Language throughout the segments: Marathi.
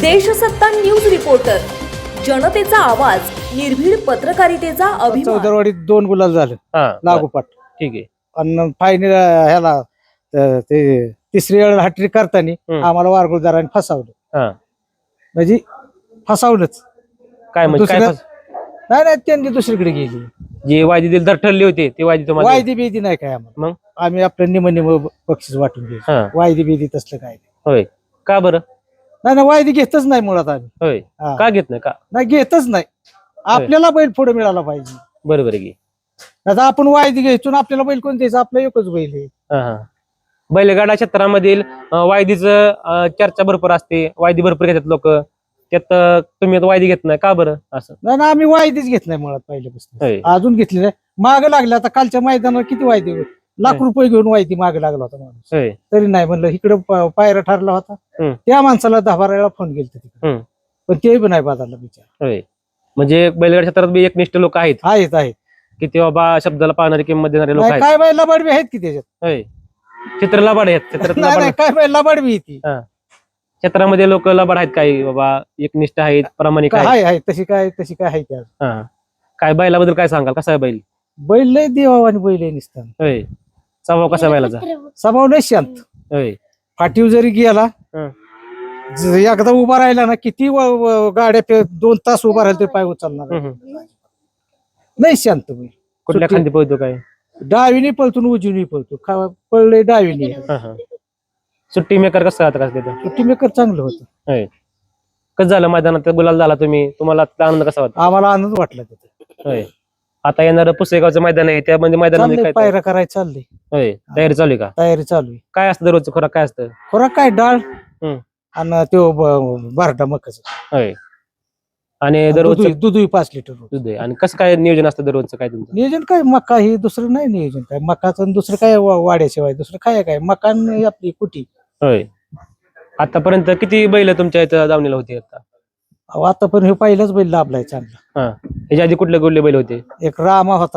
देशसत्ता न्यूज रिपोर्टर, जनतेचा आवाज, निर्भीड पत्रकारितेचा अभिमान। चौदरवाडीत 2 गुलाल झाले लागोपाठ. ठीक आहे. आणि फायनल ह्याला ते तिसरी वेळ हॅट्रिक करताना आम्हाला वारगुळदारांनी फसवलं. म्हणजे फसवलंच काय म्हणजे काय नाही त्यांनी दुसरीकडे गेली. जे वायदी दिली तर ठरले होते ते वायदी तुम्हाला वायदी बिदी नाही काय आम्हाला. मग आम्ही आपलं निम बक्षीस वाटून घेऊ. वायदी बिदी तसलं काय नाही. होय का बरं? नाही वायदी घेतच नाही मुळात आम्ही. होय का घेत नाही? का नाही घेतच नाही. आपल्याला बैल पुढे मिळाला पाहिजे. बरोबर आहे की. आता आपण वायदी घ्यायचो ना, आपल्याला बैल कोण द्यायचं? आपला एकच बैल आहे. बैलगाडा क्षेत्रामधील वायदीचं चर्चा भरपूर असते. वायदी भरपूर घेतात लोक. त्यात तुम्ही वायदी घेत नाही का बरं? असं नाही ना, आम्ही वायदीच घेत नाही मुळात पहिल्यापासून. अजून घेतली नाही. माग लागले आता कालच्या मैदानावर किती वायदी, लाख रुपये घेऊन वायदी मागे लागला होता माणूस. तरी नाही म्हणलं. इकडे पायरा ठरला होता. त्या माणसाला 10-12 वेळा फोन गेला तिकडे, पण ते पण नाही बदलला बिचार. म्हणजे बैलगाडा क्षेत्रात बी एकनिष्ठ लोक आहेत की ते बाबा शब्दाला पाहणारे, किंमत देणारे लोक आहेत. काय बैल लबाडबी आहेत की त्याच्यात. चित्र लबाड आहेत. चित्रात काय बैल लबाडबी ती क्षेत्रामध्ये लोक लबाड आहेत. काही बाबा एकनिष्ठ आहेत, प्रामाणिक आहेत. आहे तशी काय आहे त्या. काय बैलाबद्दल काय सांगाल? कसा आहे बैल? बैल लय देवावानी बैल आहे निसताना. स्वभाव कसा बैलाचा? स्वभाव लय शांत. फाटीव जरी गेला, एकदा उभा राहिला ना, किती गाड्या 2 तास उभा राहिला तरी पाय उचलणार. लय शांत बैल. कुठल्या खांदी पळतो? काय डावीने पळतो, उजवीने पळतो. पळले डावीने. सुट्टी मेकर कसं तिथं? सुट्टी मेकर चांगलं होतं. कसं झालं मैदानात गुलाल झाला तुम्हाला आनंद कसा वाटतो? आम्हाला आनंद वाटला तिथे. आता येणार पुसेगावचं मैदान आहे, त्यामध्ये मैदानामध्ये काय पायरा करायचं चाललंय. तयारी चालू आहे का? तयारी चालू आहे. काय असतं दररोजचं खुराक? काय असतं खुराक? काय डाळ आणि तो बारडा मकाच. आणि दररोज दूधही 5 लिटर दूध आहे. आणि कसं काय नियोजन असतं दररोजचं? काय तुमचं नियोजन? काय मका ही दुसरं नाही नियोजन. काय मकाचं दुसरं काय वाड्याशिवाय दुसरं काय मकान आपली कुटी. आतापर्यंत किती बैल तुमच्या इथं दावणीला होती? आता पण हे पहिलाच बैल लाभलाय चांगला. ह्याच्या आधी कुठले बैल होते? एक रामा होता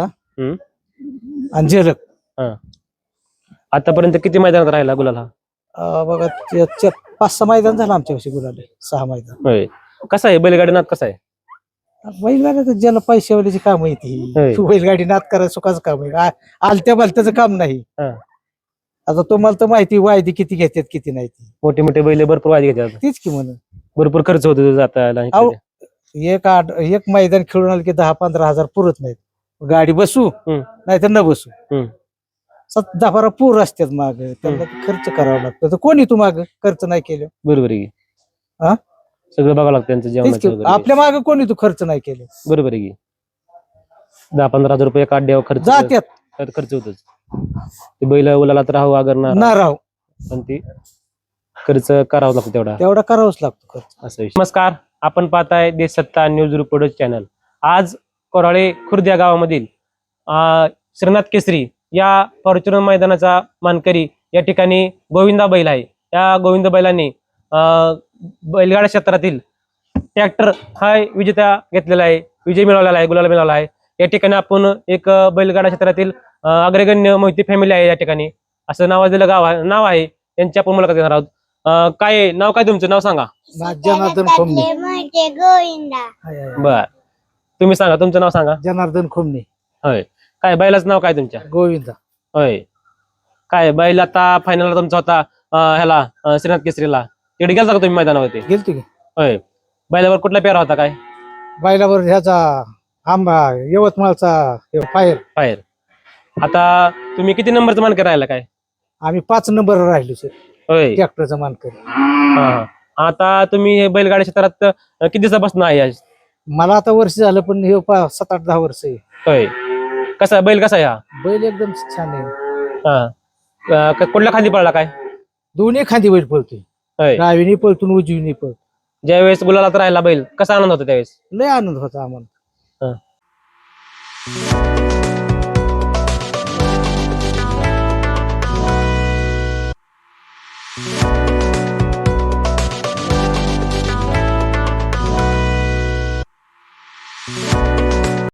आणि झलक. आतापर्यंत किती मैदानात राहिला गुलाल हा? बघा 5-6 मैदान झालं आमच्या वर्षी गुलाल. 6 मैदान. कसा आहे बैलगाडी नाद? कसा आहे बैलगाडी? तर ज्याला पैशावाल्याची काम आहे ती. बैलगाडी नाद करायचं सुखाचं काम आहे. आलत्या बालत्याचं काम नाही. आता तुम्हाला तर माहिती वायदी किती घेतात किती नाही. ती मोठे बैल भरपूर वायदी घेतात. तीच की म्हणून भरपूर खर्च होतो जाता. एक मैदान खेळून आलं की 10-15 हजार पुरत नाहीत. गाडी बसू नाही तर न बसू. 10-12 पूर असतात माग. त्यांना खर्च करावा लागतो. तर कोणी तू माग खर्च नाही केलं? बरोबर आहे. सगळं बघावं लागतं त्यांचं जेवण. आपल्या मागे कोणी तू खर्च नाही केलं? बरोबर आहे की. 10-15 हजार रुपये काढल्यावर खर्च जात्यात. खर्च होतोच. ते बैल उलाला तर राहू अगर ना राहू, पण ते खर्च करावा लागतो तेवढा करावाच लागतो खर्च. असं. नमस्कार, आपण पाहताय देशसत्ता न्यूज रिपोर्टर चॅनल. आज कोराळे खुर्द या गावामधील श्रीनाथ केसरी या फॉर्च्युनर मैदानाचा मानकरी या ठिकाणी गोविंदा बैल आहे. या गोविंद बैलांनी बैलगाडा क्षेत्रातील ट्रॅक्टर हा विजेता घेतलेला आहे, विजय मिळवलेला आहे, गुलाल मिळवला आहे. या ठिकाणी आपण एक बैलगाडा क्षेत्रातील अग्रगण्य मोहिते फॅमिली आहे या ठिकाणी, असं नावाजलेलं नाव आहे. यांची आपण मुलाखत घेणार आहोत. काय नाव? काय तुमचं नाव सांगा? जनार्दन खोमणे. बर, तुम्ही सांगा तुमचं नाव सांगा. जनार्दन खोमणे. होय. काय बैलाचं नाव काय तुमच्या? गोविंदा. होय. काय बैल आता फायनलला तुमचा होता ह्याला श्रीनाथ केसरीला, तिकडे गेलता का तुम्ही मैदानावरती? गेलतो की. होय. बैलावर कुठला पेरा होता? काय बैलावर ह्याचा आंबा यवतमाळचा फायर. आता तुम्ही किती नंबरचा मानकर राहिला? काय आम्ही 5 नंबर राहिलो सर. होय. ट्रॅक्टरचा मानकर. आता तुम्ही हे बैलगाडी क्षेत्रात किती दिवसापासून आहे? मला आता वर्ष झालं, पण हे 7-8-10 वर्ष आहे. होय. कसा बैल? कसा आहे हा बैल? एकदम छान आहे. कुठल्या खांदी पडला? काय दोन्ही खांदी बैल पळतोय. डावीने पळतो, उजवीने पळतो. ज्यावेळेस गुलालात राहिला बैल, कसा आनंद होता त्यावेळेस? लय आनंद होता आम्हाला.